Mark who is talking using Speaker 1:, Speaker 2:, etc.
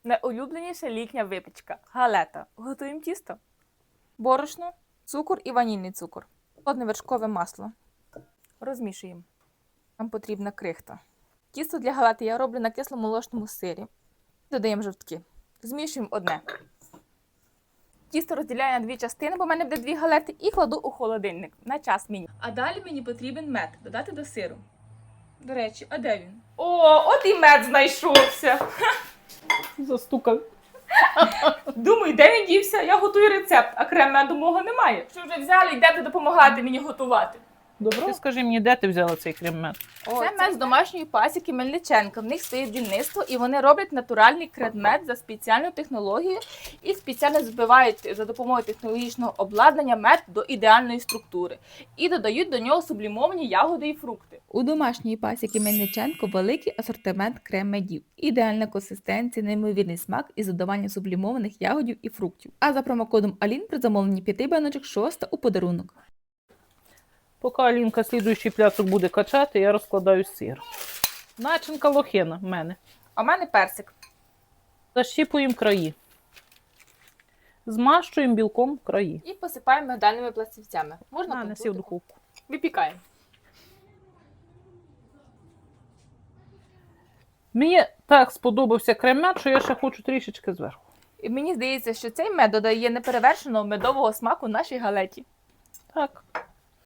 Speaker 1: Найулюбленіша літня випічка – галета. Готуємо тісто. Борошно, цукор і ванільний цукор. Холодне вершкове масло. Розмішуємо. Нам потрібна крихта. Тісто для галети я роблю на кисломолочному сирі. Додаємо жовтки. Змішуємо одне. Тісто розділяю на дві частини, бо в мене буде дві галети, і кладу у холодильник на час мені. А далі мені потрібен мед додати до сиру. До речі, а де він? О, от і мед знайшовся.
Speaker 2: Застукав.
Speaker 1: Думаю, де він дівся? Я готую рецепт, а крем меду мого немає. Що вже взяли, йдете допомагати мені готувати.
Speaker 2: Добре. Ти скажи мені, де ти взяла цей крем-мед?
Speaker 1: Це мед з домашньої пасіки Мельниченка. В них стоїть дільництво і вони роблять натуральний крем-мед за спеціальною технологією і спеціально збивають за допомогою технологічного обладнання мед до ідеальної структури. І додають до нього сублімовані ягоди і фрукти.
Speaker 3: У домашньої пасіки Мельниченко великий асортимент крем-медів. Ідеальна консистенція, неймовірний смак із додаванням сублімованих ягодів і фруктів. А за промокодом Алін при замовленні 5 баночок 6 у подарунок.
Speaker 2: Поки Алінка слідуючий пляцок буде качати, я розкладаю сир. Начинка лохина в мене.
Speaker 1: А в мене персик.
Speaker 2: Защіпуємо краї. Змащуємо білком краї.
Speaker 1: І посипаємо мигдальними пластівцями. Можна
Speaker 2: Неси в духовку.
Speaker 1: Випікаємо.
Speaker 2: Мені так сподобався крем-мед, що я ще хочу трішечки зверху.
Speaker 1: І мені здається, що цей мед додає неперевершеного медового смаку нашій галеті.
Speaker 2: Так.